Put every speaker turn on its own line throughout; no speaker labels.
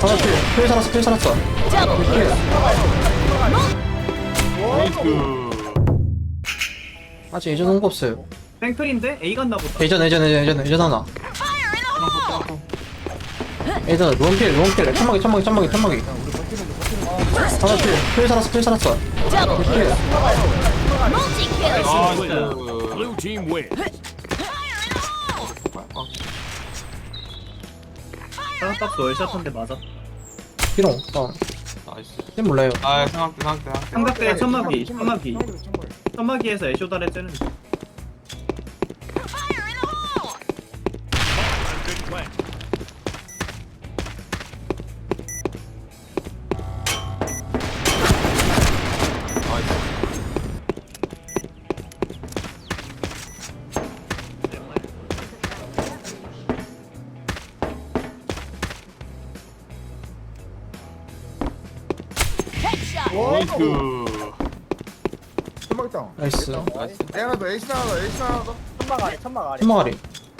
하나 필 살았어 필 살았어. 아직 예전 온 거 없어요.
땡클인데? A 갔나 보다.
예전 하나. 예전 롱필 천막이 하나 필 살았어 필 살았어.
Blue team win.
사각박스 월샷한데 맞아.
피롱 다운.
나이스.
쟤 몰라요.
아 삼각대.
삼각대 천막이에서 애쇼다를 째는.
Good plan.
나이스.
천막 있다.
나이스.
A 하나 더, A 하나 더, A 하나 더.
천막아리.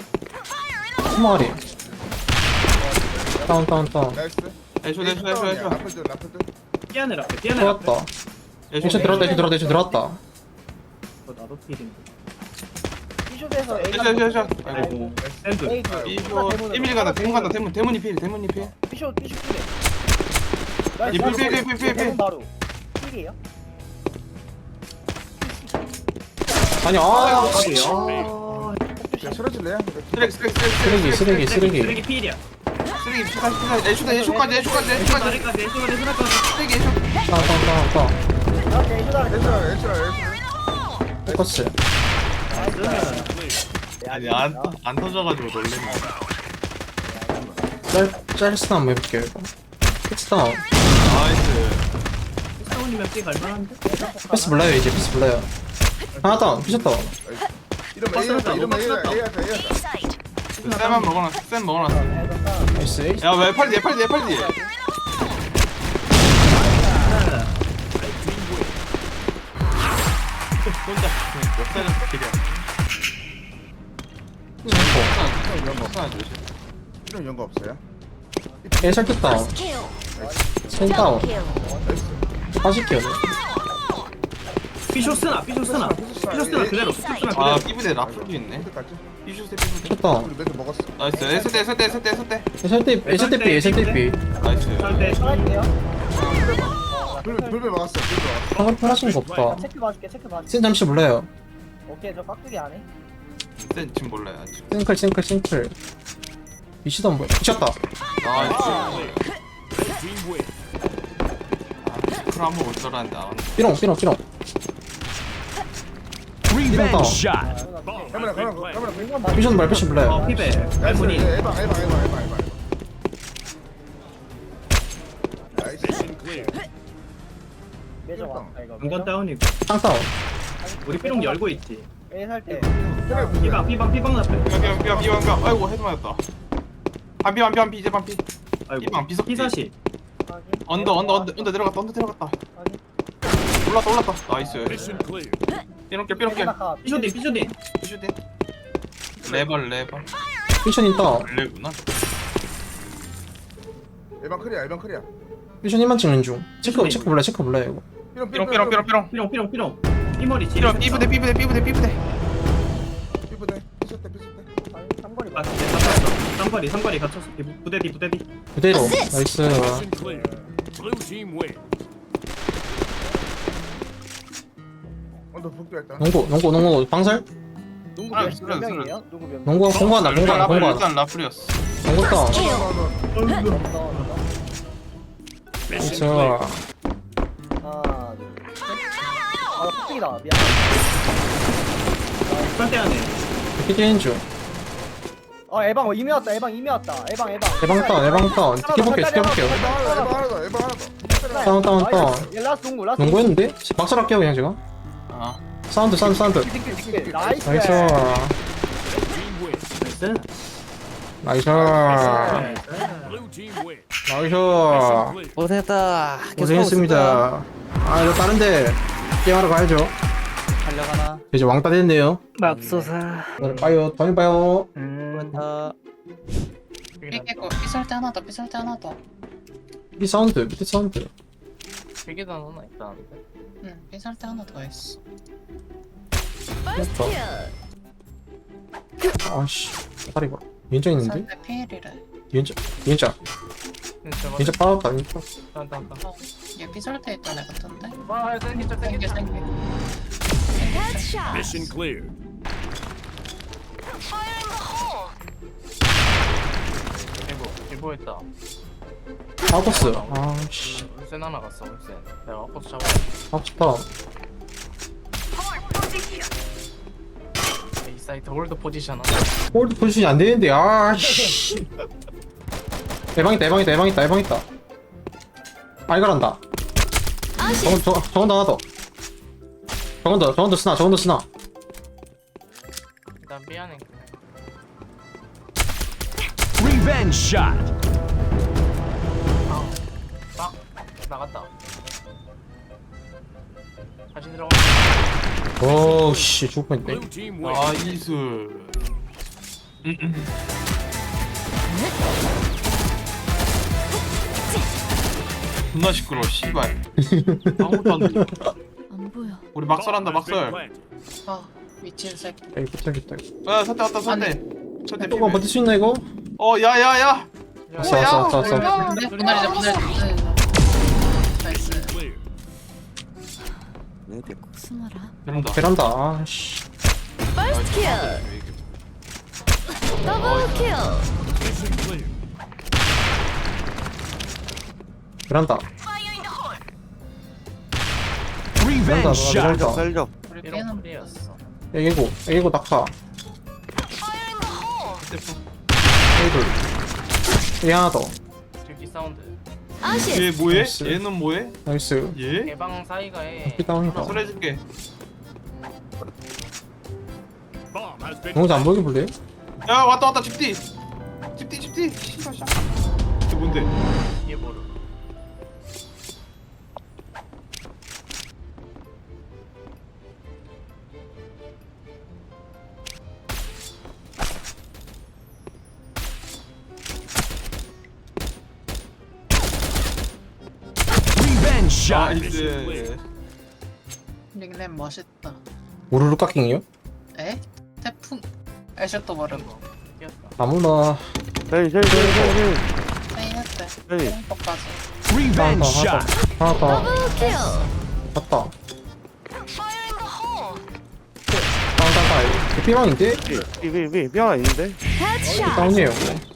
다운.
나이스.
애쇼.
라플드, 라플드.
피아네 라페.
들어왔다. 예전 들어왔다.
나도 필인데.
B숍에서
애쇼.
아이고. 샌드.
이거 1mm 간다. 대문이 필.
B숍 필에.
이 필.
대문 바로 필이에요?
아니 아
야, 쓰러질래요?
쓰레기.
쓰레기 필이야.
애쇼까지.
애쇼다리까지.
쓰레기 애쇼.
다운.
나한테 해줘달래.
에이스라.
포커스.
아니 안 터져가지고 놀랬네.
짤스나 한번 해볼게요 이거. 패스 다운.
나이스.
사원이면 삐 갈만한데?
패스 몰라요 이제 패스 몰라요. 하나 다운. 피셨다.
이러면 A 하자, 이러면 A 하자.
쌤만 먹어놨어. 쌤 먹어놨어.
나이스.
야왜 팔디? 혼자 역사는 길이야.
이런 연거 없어요?
애설 뜯 다운. 센 다운. 빠질게요.
삐쇼스나 그대로.
아 삐부대 라플도 있네.
어디까지?
삐슈세.
첫 다운.
우리 멘트 먹었어.
나이스. 에스대.
애설 때 삐.
나이스.
설대.
할게요.
불배 막았어.
방금 편하신 거 없다.
체크 봐줄게.
센 잠시 몰라요.
오케이 저 깍두기 안 해.
쌤 지금 몰라요 아직.
싱클. 미치도 안 보여. 미쳤다.
나이스.
Red team win.
그럼 한번 올 줄 알았는데 안 왔네.
삐롱.
Revenge
down.
shot.
카메라.
미션 말 패시 몰라요.
피베.
나이스.
할머니.
에방. 나이스.
Mission clear.
매저 왔다 이거.
중간 다운이고.
땅 다운.
우리 삐롱 열고 있지.
A 살 때.
삐방 나쁘.
삐방. 아이고 헤드 맞았다. 반피 이제 반피.
아이고.
삐방 비석.
피사시.
언더 들어갔다. 올랐다. 나이스.
Mission clear.
삐롱게.
삐쇼딘.
슈팅. 레벌.
미션 있다.
레구나.
에방 클리어.
미션 1만 찍는 중. 체크 몰라요 이거.
삐롱.
삐롱. 삐머리 지.
삐부대.
삐부대. 피셨대.
삼거리 갇혔어. 부대디.
그대로. 나이스.
Mission clear. Blue team win.
언더 복도했다.
농구 방살?
농구 몇 명이에요? 농구 몇 명?
농구 공부한다.
일단 라플이었어.
농구 다운.
Mission
나이스.
clear.
하나 둘 셋. 아 깍두기다. 미안.
설대 안에.
피디인 중.
에방 이미 왔다. 에방.
에방 다운. 지켜볼게요.
에방 하나 더.
다운.
얘 라스트 농구.
농구했는데? 박살할게요 그냥 제가.
아.
사운드.
나이스.
나이스.
Team win.
나이스.
Blue team win.
나이스.
Mission clear.
고생했다.
고생했습니다. 이거 다른데 게임하러 가야죠.
달려가나?
이제 왕따 됐네요.
맙소사.
오늘 봐요. 다음에 봐요.
고맙다.
삐설때 하나 더
밑에 사운드 밑에 사운드.
필기단 하나 있다는데.
응, 삐살 때 하나 더 했어.
됐다. 아씨 다리 봐. 왼쪽 있는데?
삐살 때 피일이래.
왼쪽 왼쪽 왼쪽 빠졌다 왼쪽.
나나.
얘 삐살 때 있던 애 같은데?
와 땡기죠
생겨,
땡기죠.
생겨.
Mission clear.
일보했다.
아버스. 아씨
울센 하나 갔어 울센. 내가 아버스 잡아.
아프다.
이 사이트 홀드 포지션 하나.
홀드 포지션이 안 되는데 아씨. 대방있다 대방있다 대방있다 대방있다. 알갈한다. 저건 더 하나 더. 저건 더 쓰나 저건 더 쓰나.
난 미안해.
Revenge shot.
딱 나갔다. 다시 들어가.
오씨 죽을 뻔했네.
Blue team win.
나이스. 존나 시끄러워 씨발. 아무것도 안 들려.
안 보여.
우리 막설한다
Bomb has been
막설.
planted.
아, 미친 새끼.
여기 붙어야겠다 이거.
야 선대 왔다 선대. 선대
조금 버틸 수 있나 이거?
야야야.
왔어 왔어 왔어 왔어.
근데 우리 날이자, 우리 날이자. 나이스.
Clear.
숨어라.
이런다.
베란다 아씨.
더블 킬.
Mission clear.
베란다.
Revenge shot.
베란다.
우리
얘는
삐는 프리였어.
애기고 낙하. 애들. 얘 하나 더.
들기 사운드.
얘 뭐해?
나이스.
얘는 뭐해?
나이스.
얘?
개방 사이가에.
삐다운이다.
술 해줄게.
Bomb has been
동영상 안 보이게 볼래?
야 왔다 집디. 집디. 씨발 샤. 이게 뭔데?
얘 모르.
revenge shot.
나이스.
닉네임 멋있다.
우르르 깎잉이요?
에? 태풍. 애쇼도 모르고.
뛰었다.
아무나.
세인했대. 뽕뻑까지.
Revenge
하나
shot.
더. 하나 더.
더블 킬.
맞다. 다운. 피방인데?
헤드샷.
다운이에요.